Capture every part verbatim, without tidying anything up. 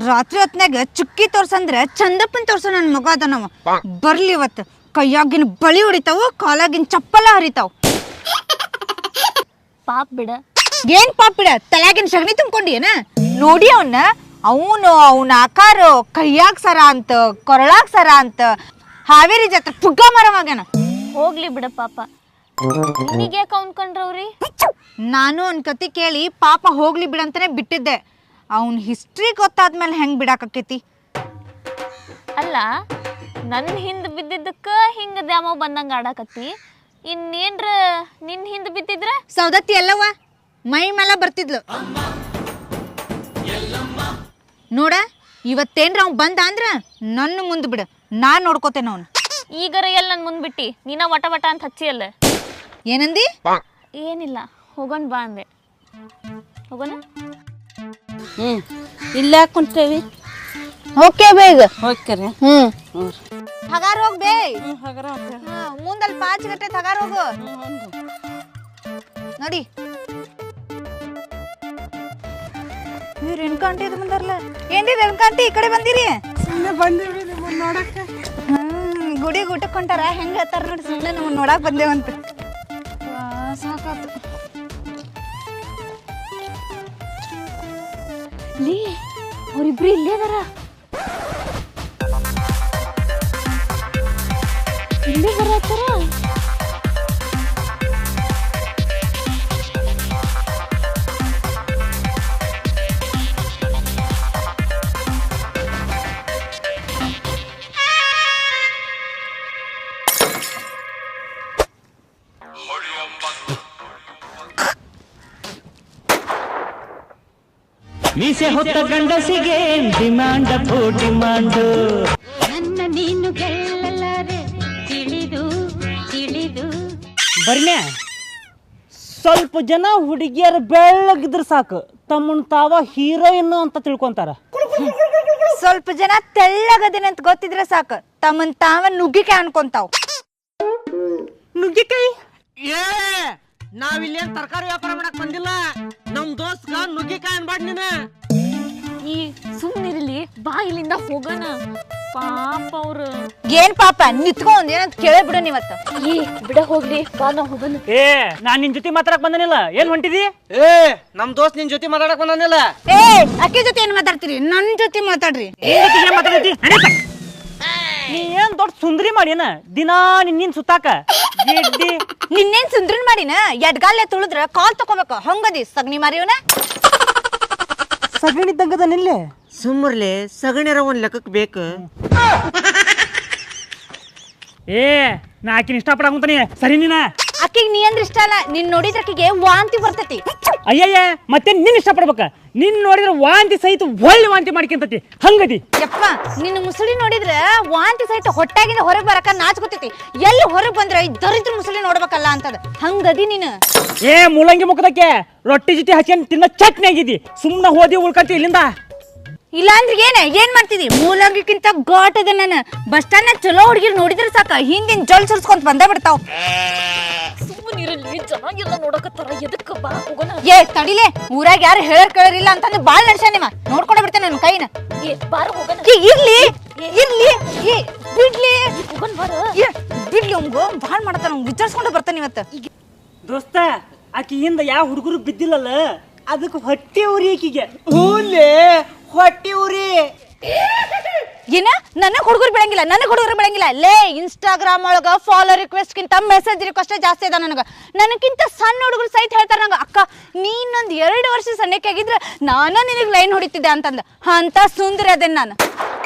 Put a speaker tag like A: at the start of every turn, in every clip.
A: ರಾತ್ರಿ ಹೊತ್ನಾಗ ಚುಕ್ಕಿ ತೋರ್ಸಂದ್ರ ಚಂದಪ್ಪನ್ ತೋರ್ಸ ನನ್ ಮಗ ಅದ ನಾವ ಬರ್ಲಿ ಇವತ್ತು ಕೈಯಾಗಿನ ಬಳಿ ಹೊಡಿತಾವ ಕಾಲಾಗಿನ ಚಪ್ಪಲ ಹರಿತಾವ್
B: ಪಾಪ್ ಬಿಡ
A: ಏನ್ ಪಾಪ್ ಬಿಡ ತಲೆಯಾಗಿನ ಸಗಣಿ ತುಂಬ್ಕೊಂಡಿಯೇನ ನೋಡಿ ಅವನ್ನ ಅವನು ಅವನ ಆಕಾರ ಕೈಯಾಗ ಸರ ಅಂತ ಕೊರಳಾಗ ಸರ ಅಂತ ಹಾವೇರಿ ಜಾತ್ರೆ ಪುಗ್ಗ ಮರವಾಗ್ಯಾನ.
B: ಹೋಗ್ಲಿ ಬಿಡ ಪಾಪ. ನಿನಗೆ ಯಾಕೆ ಅನ್ಕೊಂಡ್ರವ್ರಿ?
A: ನಾನು ಅವ್ನ ಕತಿ ಕೇಳಿ ಪಾಪ ಹೋಗ್ಲಿ ಬಿಡಂತಾನೆ ಬಿಟ್ಟಿದ್ದೆ. ಅವನ್ ಹಿಸ್ಟ್ರಿ ಗೊತ್ತಾದ್ಮೇಲೆ ಹೆಂಗ್ ಬಿಡಾಕಕ್ಕೈತಿ?
B: ಅಲ್ಲ ನನ್ನ ಹಿಂದ್ ಬಿದ್ದಿದ್ದಕ್ಕ ಹಿಂಗ ದ್ಯಾಮ ಬಂದಂಗ ಆಡಾಕತ್ತಿ. ಇನ್ನೇನ್ರ ನಿನ್ ಹಿಂದ್ ಬಿದ್ದಿದ್ರ
A: ಸೌದತ್ತಿ ಎಲ್ಲವ ಮೈ ಮೇಲೆ ಬರ್ತಿದ್ಲು ನೋಡ. ಇವತ್ತೇನ್ರ ಅವ್ ಬಂದ ಅಂದ್ರ ನನ್ನ ಮುಂದ್ ಬಿಡ, ನಾನ್ ನೋಡ್ಕೋತೇನ ಅವನು.
B: ಈಗರ ಎಲ್ಲ ನನ್ ಮುಂದ್ ಬಿಟ್ಟಿ ನೀನ ವಟ ವಟ ಅಂತ ಹಚ್ಚಿ ಅಲ್ಲ.
A: ಏನಂದಿ?
B: ಏನಿಲ್ಲ, ಹೋಗೋಣ ಬಾ ಅಂದೆ. ಹೋಗೋಣ.
C: ಹ್ಮ್ ಇಲ್ಲ ಕುಂತೇವಿ.
A: ಓಕೆ ಬೇಗ
C: ಹೋಗ್ಕರೆ.
A: ಹ್ಮ್ ಹಗಾರ ಹೋಗ್ ಬೇ. ಮುಂದಲ್ಲಿ ಪಾಚ್ ಗಂಟೆ ಹಗಾರ ಹೋಗು ನೋಡಿ. ನೀವು ರೇಣುಕಾಂಟಿ ಇದು ಬಂದಾರಲ್ಲ, ಏನ್ರಿ ರೇಣುಕಾಂಟಿ ಈ ಕಡೆ ಬಂದಿರಿ?
C: ಸುಮ್ಮನೆ ಬಂದಿವಿ ನಿಮ್ಮನ್ನ ನೋಡಕ್ಕೆ.
A: ಹ್ಮ್ ಗುಡಿ ಊಟಕ್ಕೆ ಹೊಂಟಾರ ಹೆಂಗ ಹೇಳ್ತಾರ ನೋಡಿ. ಸುಮ್ಮನೆ ನಮ್ಮನ್ನ ನೋಡಕ್ ಬಂದೇವಂತ. ಸಾಕಾತು
B: ಲೇ, ಅವ್ರಿಬ್ರು ಇಲ್ಲೇ ಅದಾರ. ಇಲ್ಲೇ ಬರತ್ತಾರ.
D: ಮೀಸೆ ಹೊತ್ತ ಗಂಡಸಿಗೆ ಡಿಮಾಂಡ್ ಅಪ್ಪು ಡಿಮಾಂಡ್.
E: ನನ್ನ ನೀನು ಗೆಲ್ಲಲಾರೆ ತಿಳಿದು ತಿಳಿದು.
D: ಬರ್ನ್ಯಾ ಸ್ವಲ್ಪ ಜನ ಹುಡುಗಿಯರು ಬೆಳ್ಳಗಿದ್ರ ಸಾಕು ತಮ್ಮನ್ ತಾವ ಹೀರೋಯಿನ್ ಅಂತ ತಿಳ್ಕೊಂತಾರ.
A: ಸ್ವಲ್ಪ ಜನ ತೆಳ್ಳಗದೇನೆ ಅಂತ ಗೊತ್ತಿದ್ರೆ ಸಾಕು ತಮ್ಮನ್ ತಾವ ನುಗ್ಗಿಕಾಯಿ ಅನ್ಕೊಂತಾವ್.
D: ನುಗ್ಗಿಕಾಯಿ?
F: ಏ ನಾವಿಲ್ಲಿ ಏನ್ ತರಕಾರಿ ವ್ಯಾಪಾರ ಮಾಡಕ್ ಬಂದಿಲ್ಲ. ನಮ್ ದೋಸ್ತ್ಗ ನುಗ್ಗಿಕಾಯಿ ಅನ್ಬಾಡ್ ನೀನ.
B: ಈ ಸುಮ್ಮನಿರ್ಲಿ, ಬಾ ಇಲ್ಲಿಂದ ಹೋಗೋಣ. ಪಾಪ ಅವ್ರು.
A: ಏನ್ ಪಾಪ ನಿತ್ಕೊಂಡ್ ಏನಂತ ಕೇಳೇ ಬಿಡು ನೀವತ್ತ.
B: ಏ ಬಿಡ ಹೋಗ್ಲಿ, ಬಾ ನಾ ಹೋಗೋಣ.
D: ಏ ನಾನ್ ನಿನ್ ಜೊತೆ ಮಾತಾಡಕ್ ಬಂದನಿಲ್ಲ, ಏನ್ ಹೊಂಟಿದಿ?
F: ಏ ನಮ್ ದೋಸ್ತ್ ನಿನ್ ಜೊತೆ ಮಾತಾಡಕ್ ಬಂದಾನಿಲ್ಲ.
A: ಏ ಅಕ್ಕಿ ಜೊತೆ ಏನ್ ಮಾತಾಡ್ತೀರಿ? ನನ್ ಜೊತೆ ಮಾತಾಡ್ರಿ.
D: ನೀ ಏನ್ ದೊಡ್ಡ ಸುಂದರಿ ಮಾಡಿನ ದಿನಾ ನಿನ್ ಸುತ್ತಾಕ ಗಿಡ್ಡಿ.
A: ನಿನ್ನೇನ್ ಸುಂದ್ರನ್ ಮಾಡಿನ? ಎಡ್ಗಾಲೆ ತುಳಿದ್ರ ಕಾಲ್ ತಕೋಬೇಕು ಹಂಗದಿ ಸಗಣಿ ಮಾರಿಯವನ.
D: ಸಗಣಿದ್ದಂಗದ ನಿಲ್ಲೆ
F: ಸುಮ್ಮರ್ಲೆ ಸಗಣಿರ ಒಂದ್ ಲೆಕ್ಕಕ್ ಬೇಕು.
D: ಏ ನಾ ಆಕಿನ ಇಷ್ಟಪಡಂತಾನೆ ಸರಿ ನೀನ.
A: ಅಕ್ಕಿಗೆ ನೀ ಅಂದ್ರೆ ಇಷ್ಟ ಅಲ್ಲ, ನಿನ್ ನೋಡಿದ್ರ ಅಕ್ಕಿಗೆ ವಾಂತಿ ಬರ್ತೈತಿ.
D: ಅಯ್ಯಯ್ಯ ಮತ್ತೆ ನಿನ್ ಇಷ್ಟಪಡ್ಬೇಕ. ನಿನ್ ನೋಡಿದ್ರ ವಾಂತಿ ಸಹಿತ ಒಳ್ಳೆ ವಾಂತಿ ಮಾಡ್ಕೊಂತತಿ ಹಂಗದಿ.
A: ಯಪ್ಪ ನಿನ್ನ ಮುಸುಳಿ ನೋಡಿದ್ರ ವಾಂತಿ ಸಹಿತ ಹೊಟ್ಟಾಗಿಂದ ಹೊರಗ್ ಬರಕ ನಾಚ್ಕೊತೈತಿ. ಎಲ್ಲಿ ಹೊರಗ್ ಬಂದ್ರ ಈ ದರಿದ್ರ ಮುಸುಳಿ ನೋಡ್ಬೇಕಲ್ಲ ಅಂತದ ಹಂಗದಿ ನೀನು.
D: ಏ ಮೂಲಂಗಿ ಮುಖದಕ್ಕೆ ರೊಟ್ಟಿ ಜೊತೆ ಹಚ್ಕೊಂಡ್ ತಿನ್ನೋ ಚಟ್ನಿ ಆಗಿದಿ. ಸುಮ್ನ ಹೋದಿ ಉಳ್ಕಂತಿ ಇಲ್ಲಿಂದ.
A: ಇಲ್ಲ ಅಂದ್ರೆ ಏನ ಏನ್ ಮಾಡ್ತಿದಿ? ಮೂಲಂಗಿಕ್ಕಿಂತ ಘಾಟ್ ಅದ. ನಾನು ಬಸ್ ಸ್ಟಾಂಡ್ ನಾಗ ಚಲೋ ಹುಡುಗಿರ್ ನೋಡಿದ್ರ ಸಾಕ ಹಿಂದಿನ ಜೊಲ್ ಸುರ್ಸ್ಕೊಂತ ಬಂದೇ ಬಿಡ್ತಾವ್.
B: ಸುಮ್ಮನಿರಲಿ, ಚೆನ್ನಾಗಿಲ್ಲ ನೋಡಕತ್ತಾರ. ಎದಕ್ಕ ಬಾ ಹೋಗೋಣ.
A: ಏ ತಡಿಲೆ, ಊರಾಗ ಯಾರು ಹೇಳರ್ ಕೇಳರಿಲ್ಲ ಅಂತಂದ್ರೆ ಬಾಳ್ ನಡ್ಸ ನಿಮ್ಮ ನೋಡ್ಕೊಂಡ ಬಿಡ್ತೇನೆ ನನ್ನ ಕೈನ.
B: ಏ ಬಾರ ಹೋಗೋಣ.
A: ಇರ್ಲಿ ಇರ್ಲಿ ಏ ಬಿಡ್ಲಿ
B: ಹೋಗೋಣ ಬಾರ.
A: ಏ ಬಿಡ್ಲಿ, ಅವ್ಗ ಬಾಳ್ ಮಾಡತಾನ. ಅವ್ನು ವಿಚಾರಿಸ್ಕೊಂಡು ಬರ್ತಾನೆ ಇವತ್ತು.
D: ದೋಸ್ತ ಆಕಿಯಿಂದ ಯಾವ ಹುಡುಗರು ಬಿದ್ದಿಲ್ಲಲ್ಲ ಅದಕ್ಕೆ ಹೊಟ್ಟೆ ಉರಿ ಆಕಿಗೆ.
F: ಹೂಲೆ ಹೊಟ್ಟಿ ಉರಿ.
A: ಏನ ನನಗ್ ಹುಡುಗರು ಬೆಳಂಗಿಲ್ಲ, ನನಗ್ ಹುಡುಗರು ಬೆಳಂಗಿಲ್ಲ. ಲೇ ಇನ್ಸ್ಟಾಗ್ರಾಮ್ ಒಳಗ ಫಾಲೋ ರಿಕ್ವೆಸ್ಟ್ ಕಿಂತ ಮೆಸೇಜ್ ರಿಕ್ವೆಸ್ಟ್ ಜಾಸ್ತಿ ಅದ ನನಗ. ನನಗಿಂತ ಸಣ್ಣ ಹುಡುಗರು ಸಹಿತ ಹೇಳ್ತಾರ ನಂಗ, ಅಕ್ಕ ನೀನೊಂದ್ ಎರಡು ವರ್ಷ ಸಣ್ಣಕ್ಕೆ ಆಗಿದ್ರ ನಾನ ನಿನಗ್ ಲೈನ್ ಹೊಡಿತಿದ್ದೆ ಅಂತಂದ. ಅಂತ ಸುಂದರ ಅದೇನ್ ನಾನು.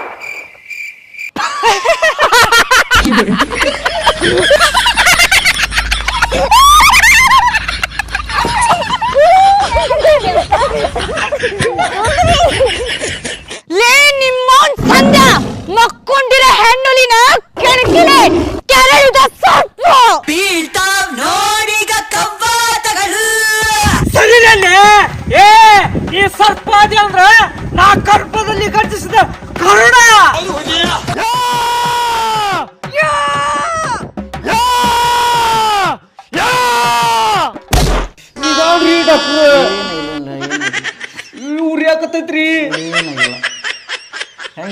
A: ಲೇ ನಿಮ್ಮೋನ್ ಸಂದ ಮಕ್ಕೊಂಡಿರ ಹೆಣ್ಣುಲಿನ ಕೆಣಕಿಲೆ ಕೆರಳಿದ ಸೊಪ್ಪು
E: ಬೀಳ್ತಾವ್ ನೋಡಿಗ ಕವ್ವಾತಗಳು.
D: ಸರಿನಲ್ಲೇ ಏ ಈ ಸರ್ಪಾದಿ ಅಂದ್ರ ನಾ ಗರ್ಭದಲ್ಲಿ ಗರ್ಜಿಸಿದ ಕರುಣ. ಯಾ! ಯಾ! ಯಾ!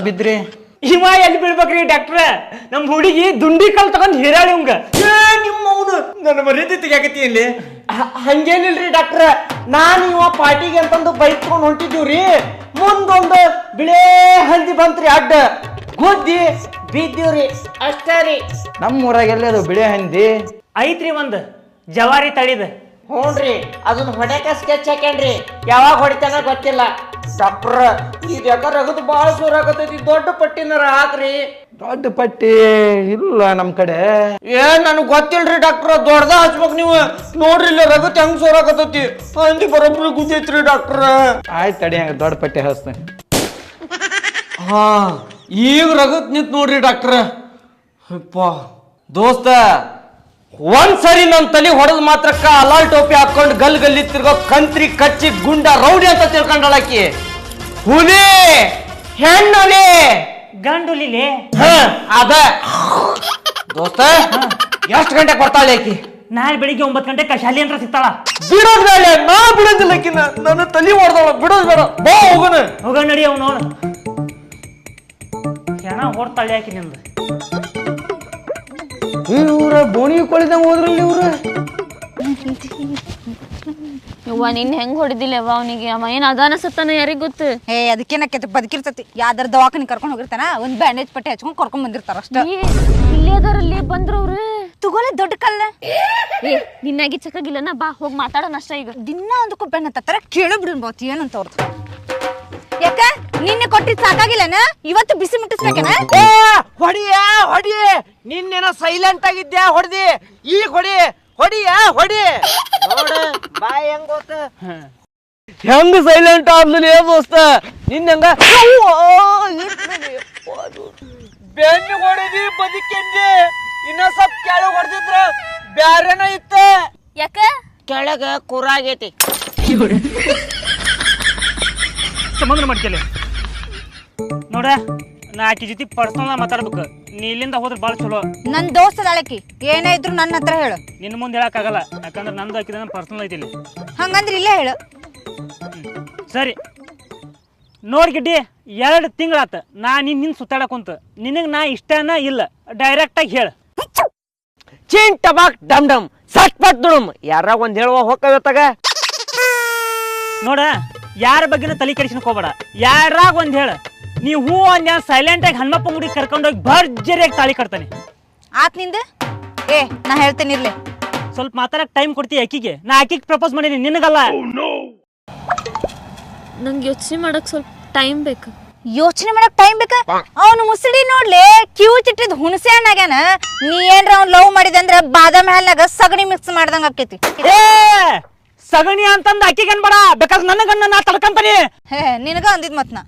G: ಬಿದ್ರಿ?
D: ಇವ ಎಲ್ಲಿ ಬೀಳ್ಬೇಕ್ರಿ ಡಾಕ್ಟ್ರ? ನಮ್ ಹುಡುಗಿ ದುಂಡಿ ಕಲ್ ತಗೊಂಡ್ ಹಿರಾಳಿ ಅವಂಗ.
F: ನಿಮ್ಮ ಅವನು ನನ್ನ ಮರ್ಯಾದೆ ತೆಗಿಯಾಕತ್ತಿ ಇಲ್ಲಿ. ಹಂಗೇನಿಲ್ರಿ ಡಾಕ್ಟ್ರ, ನಾನು ಇವ ಪಾರ್ಟಿಗೆ ಅಂತಂದು ಬೈಕ್ ತಗೊಂಡ್ ಹೊಂಟಿದ್ದೀವ್ರಿ. ಮುಂದೊಂದು ಬಿಳೇ ಹಂದಿ ಬಂತ್ರಿ ಅಡ್ಡ ಗುದ್ದಿ ಬಿದ್ದೀವ್ರಿ ಅಷ್ಟೇ ರೀ.
G: ನಮ್ಮ ಊರಾಗ ಎಲ್ಲಿ ಅದು ಬಿಳಿ ಹಂದಿ?
D: ಐತ್ರಿ ಒಂದ್ ಜವಾರಿ ತಳಿದ.
F: ಹ್ಞೂನ್ರಿ, ಅದನ್ನ ಹೊಡ್ಯಾಕ ಸ್ಕೆಚ್ ಹಾಕ್ಯಾನ್ರಿ. ಯಾವಾಗ ಹೊಡಿತಾನ ಗೊತ್ತಿಲ್ಲ. ಡಾಕ್ಟ್ರ ಇದು ಯಾಕ ರಗದು ಭಾಳ ಸೋರಾಗತೈತಿ, ದೊಡ್ಡ ಪಟ್ಟಿನಾರ ಹಾಕ್ರಿ.
G: ದೊಡ್ಡ ಪಟ್ಟಿ ಇಲ್ಲ ನಮ್ ಕಡೆ.
F: ಏನ್ ನನಗ್ ಗೊತ್ತಿಲ್ರಿ ಡಾಕ್ಟ್ರ, ದೊಡ್ಡದ ಹಚ್ಬೇಕು ನೀವು. ನೋಡ್ರಿ ಇಲ್ಲ ರಗತ್ ಹೆಂಗ್ ಸೋರಾಗತೈತಿ, ಹಂದಿ ಬರೋಬ್ರಿ ಗುದ್ದೈತ್ರಿ ಡಾಕ್ಟ್ರ.
G: ಆಯ್ತು ತಡಿ, ಹಂಗ ದೊಡ್ಡ ಪಟ್ಟಿ ಹಚ್ತೇನೆ.
F: ಹಾ ಈಗ ರಗತ್ ನಿಂತ್ ನೋಡ್ರಿ ಡಾಕ್ಟ್ರ. ಅಪ್ಪ ದೋಸ್ತ, ಒಂದ್ಸರಿ ನನ್ ತಲೆ ಹೊಡೆದ್ ಮಾತ್ರಕ್ಕ ಅಲಾಲ್ ಟೋಪಿ ಹಾಕೊಂಡ್ ಗಲ್ ಗಲ್ಲಿ ತಿರ್ಗೋ ಕಂತ್ರಿ ಕಚ್ಚಿ ಗುಂಡ ರೌಡಿ ಅಂತ ತಿಳ್ಕೊಂಡಳಾಕಿ. ಹುಲಿ ಹೆಣ್ಣುಲಿ
D: ಗಂಡುಲಿಲೆ
F: ಹ ಅದ. ದೋಸ್ತ ಎಷ್ಟ್ ಗಂಟೆಗೆ ಬರ್ತಾಳೆ ಆಕಿ?
D: ನಾಳೆ ಬೆಳಿಗ್ಗೆ ಒಂಬತ್ತು ಗಂಟೆ ಶಾಲಿ ಅಂತ ಸಿಗ್ತಾಳ.
F: ಬಿಡೋದ್ ಬೇಡ, ನಾ ಬಿಡೋದಿಲ್ಲ ಆಕಿನ. ನನ್ನ ತಲೆ ಹೊಡೆದಳ, ಬಿಡೋದ್ ಬೇಡ. ಬಾ ಹೋಗೋಣ.
D: ಹೋಗ ನಡಿ ಅವ್ ನೋಡು. ಹೆಣ ಹೊಡ್ತಾಳೆ ಆಕಿ ನಿಂದು.
G: ಇವ್ರ ಬೋಣಿ ಕೊಳಿದಂಗ ಹೋದ್ರಲ್ಲಿ ಇವ್ರ.
B: ಯವ್ವ ನಿನ್ ಹೆಂಗ್ ಹೊಡಿದಿಲ್ಲ ಯವ್ವ ಅವನಿಗೆ? ಅವ ಏನ್ ಅದಾನ ಸತ್ತಾನ ಯಾರಿಗ್ ಗೊತ್ತು?
A: ಏ ಅದಕ್ಕೇನಕ್ಕೆ ಬದುಕಿರ್ತತಿ. ಯಾವ್ದಾರ ದವಾಖಾನೆ ಕರ್ಕೊಂಡು ಹೋಗಿರ್ತಾನ, ಒಂದ್ ಬ್ಯಾಂಡೇಜ್ ಪಟ್ಟಿ ಹಚ್ಕೊಂಡ್ ಕರ್ಕೊಂಡ್ ಬಂದಿರ್ತಾರ ಅಷ್ಟ.
B: ಇಲ್ಲಿ ಅದಾರಲ್ಲಿ ಬಂದ್ರವ್ರು.
A: ತಗೋಲೆ ದೊಡ್ಡ ಕಲ್ಲ.
B: ಏ ನಿನ್ನಾಗಿ ಚಕ್ಕಾಗಿಲ್ಲನ, ಬಾ ಹೋಗಿ ಮಾತಾಡೋಣ ಅಷ್ಟ. ಈಗ
A: ದಿನ ಒಂದಕ್ಕೂ ಬೆನ್ನ ಹತ್ತಾರ, ಕೇಳು ಬಿಡ್ಬೋದು ಏನಂತ ಅವ್ರದ್ದು. ಯಾಕ ನಿನ್ನೆ ಕೊಟ್ಟಿದ್ ಸಾಕಾಗಿಲ್ಲನ? ಇವತ್ತು ಬಿಸಿ ಮುಟ್ಟಿಸ್ಬೇಕನ?
F: ಏ ಹೊಡಿಯ ಹೊಡಿ, ನಿನ್ನೇನ ಸೈಲೆಂಟ್ ಆಗಿದ್ಯಾ, ಹೊಡ್ದಿ. ಈಗ ಹೊಡಿ, ಹೊಡಿಯ ಹೊಡಿ. ನೋಡ ಬಾಯ್ ಹೆಂಗ್ ಗೊತ್ತ, ಹೆಂಗ್ ಸೈಲೆಂಟ್ ಆದ್ಲಿ ದೋಸ್ತ. ನಿನ್ನಂಗ ಬೆನ್ನು ಹೊಡೆದಿ ಬದುಕಿಂದಿ. ಇನ್ನ ಸ್ವಲ್ಪ ಕೆಳಗ್ ಹೊಡೆದಿದ್ರ ಬ್ಯಾರೇನ ಇತ್ತ.
B: ಯಾಕ
F: ಕೆಳಗ ಕುರಾಗೈತಿ.
D: ಸಂಬಂಧ ಮಾಡ್ಕೇಳಿ ನೋಡ, ನಾ ಆಕಿ ಜೊತೆ ಪರ್ಸನಲ್ ಮಾತಾಡ್ಬೇಕು. ನೀ ಇಲ್ಲಿಂದ ಹೋದ್ರೆ ಭಾಳ ಚಲೋ.
A: ನನ್ ದೋಸ್ತ ಅದಾಳಕಿ, ಏನೇ ಇದ್ರು ನನ್ನ ಹತ್ರ ಹೇಳು.
D: ನಿನ್ನ ಮುಂದೆ ಹೇಳಕ್ಕಾಗಲ್ಲ, ಯಾಕಂದ್ರೆ ನಂದು ಹಾಕಿದ ಪರ್ಸನಲ್ ಐತಿ ಇಲ್ಲಿ.
A: ಹಂಗಂದ್ರೆ ಇಲ್ಲೇ ಹೇಳು.
D: ಸರಿ ನೋಡ್ ಗಿಡ್ಡಿ, ಎರಡು ತಿಂಗಳಾತ ನಾ ನಿನ್ ನಿನ್ ಸುತ್ತಾಡಕ್ ಕುಂತ. ನಿನಗ್ ನಾ ಇಷ್ಟನ ಇಲ್ಲ, ಡೈರೆಕ್ಟ್ ಆಗಿ ಹೇಳ.
F: ಚಿನ್ ಟಬಾಕ್ ಡಮ್ ಡಮ್ ಸಟ್ ಪಟ್ ದುಡಮ್. ಯಾರಾಗ ಒಂದ್ ಹೇಳುವ ಹೋಗತ್ತಾಗ.
D: ನೋಡ, ಯಾರ ಬಗ್ಗೆನ ತಲೆ ಕೆಡಿಸ್ಕೋಬೇಡ. ಯಾರಾಗ ಒಂದ್ ಹೇಳ. ನೀ ಹೂ ಒಂದ್ ಸೈಲೆಂಟ್ ಆಗಿ ಹನುಮಪ್ಪ ಗುಡಿ ಕರ್ಕೊಂಡೋಗಿ ಭರ್ಜರಿಯಾಗಿ ತಾಳಿ ಕಟ್ತಾನೆ.
A: ಆತ್ ನಿಂದ ಏ ನಾ ಹೇಳ್ತೇನೆ ಇರ್ಲಿ.
D: ಸ್ವಲ್ಪ ಮಾತಾಡಕ್ ಟೈಮ್ ಕೊಡ್ತೀಯ ಆಕಿಗೆ? ನಾ ಆಕಿಗೆ ಪ್ರಪೋಸ್ ಮಾಡೀನಿ, ನಿನಗಲ್ಲ.
B: ನಂಗೆ ಯೋಚನೆ ಮಾಡಕ್ ಸ್ವಲ್ಪ ಟೈಮ್ ಬೇಕು.
A: ಯೋಚನೆ ಮಾಡಕ್ ಟೈಮ್ ಬೇಕ? ಅವನು ಮುಸುಡಿ ನೋಡ್ಲಿ, ಕ್ಯೂ ಚಿಟ್ಟಿದ್ ಹುಣಸೆ ಹಣ್ಣಾಗ್ಯಾನ. ನೀ ಏನ್ರ ಅವ್ನ್ ಲವ್ ಮಾಡಿದೆ ಅಂದ್ರ ಬಾದಾಮಿ ಹಾಲ್ನಾಗ ಸಗಣಿ ಮಿಕ್ಸ್ ಮಾಡ್ದಂಗ ಆಕೇತಿ.
D: ಏ ಸಗಣಿ ಅಂತಂದ ಆಕಿಗೆ ಅನ್ಬೇಡ, ಬೇಕಾದ್ರೆ ನನಗನ್ನ ನಾ ತಡ್ಕಂತಾನೆ.
A: ಹೇ ನಿನಗ ಅಂದಿದ್ ಮತ್ ನಾ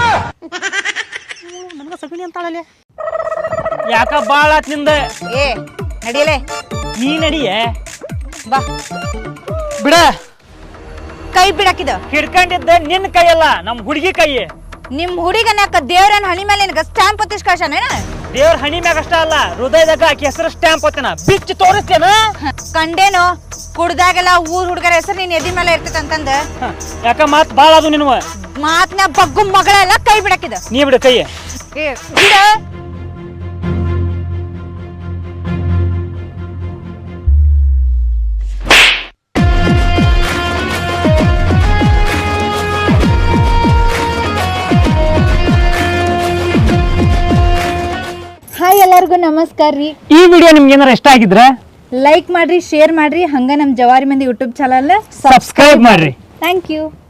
D: ನನಗ ಸಗಣಿ ಅಂತಾಳಲೆ. ಯಾಕ ಬಾಳ ಆತ್ ನಿಂದ.
A: ಏ ನಡಿಯಲೇ,
D: ನೀ ನಡಿಯೇ.
A: ಬಾ
D: ಬಿಡ.
A: ಕೈ ಬಿಡಾಕಿದ
D: ಹಿಡ್ಕೊಂಡಿದ್ದ ನಿನ್ನ ಕೈಯಲ್ಲ, ನಮ್ ಹುಡುಗಿ ಕೈ.
A: ನಿಮ್ ಹುಡುಗನ್ಯಾಕ ದೇವ್ರನ್ ಹಣಿ ಮೇಲೆ ನಿನಗ ಸ್ಟ್ಯಾಂಪ್ ಒತ್ತಿಸ್ ಕಳ್ಸಾನೇನ?
D: ದೇವ್ರ ಹಣಿ ಮ್ಯಾಗ ಅಷ್ಟ ಅಲ್ಲ, ಹೃದಯದಾಗ ಆಕಿ ಹೆಸರು ಸ್ಟ್ಯಾಂಪ್ ಹೊತ್ತೇನ, ಬಿಚ್ಚಿ ತೋರಿಸ್ತೇನ.
A: ಕಂಡೇನೋ ಕುಡ್ದಾಗೆಲ್ಲ ಊರ್ ಹುಡುಗರ ಹೆಸರು ನೀನ್ ಎದಿ ಮೇಲೆ ಇರ್ತೈತ ಅಂತಂದ.
D: ಯಾಕ ಮಾತ್ ಬಾಳ ಅದು ನಿನ್ವ.
A: ಮಾತ್ನ ಬಗ್ಗು ಮಗಳೆಲ್ಲ ಕೈ ಬಿಡಾಕಿದ.
D: ನೀ ಬಿಡ ಕೈ.
A: ಏ ಬಿಡ. ಹಾಯ್ ಎಲ್ಲರಿಗೂ ನಮಸ್ಕಾರ ರೀ.
D: ಈ ವಿಡಿಯೋ ನಿಮ್ಗೆ ಏನಾರ ಇಷ್ಟ ಆಗಿದ್ರೆ
A: ಲೈಕ್ ಮಾಡ್ರಿ, ಶೇರ್ ಮಾಡ್ರಿ, ಹಂಗ ನಮ್ ಜವಾರಿ ಮಂದಿ ಯೂಟ್ಯೂಬ್ ಚಾನಲ್
D: ಸಬ್ಸ್ಕ್ರೈಬ್ ಮಾಡ್ರಿ.
A: Thank you.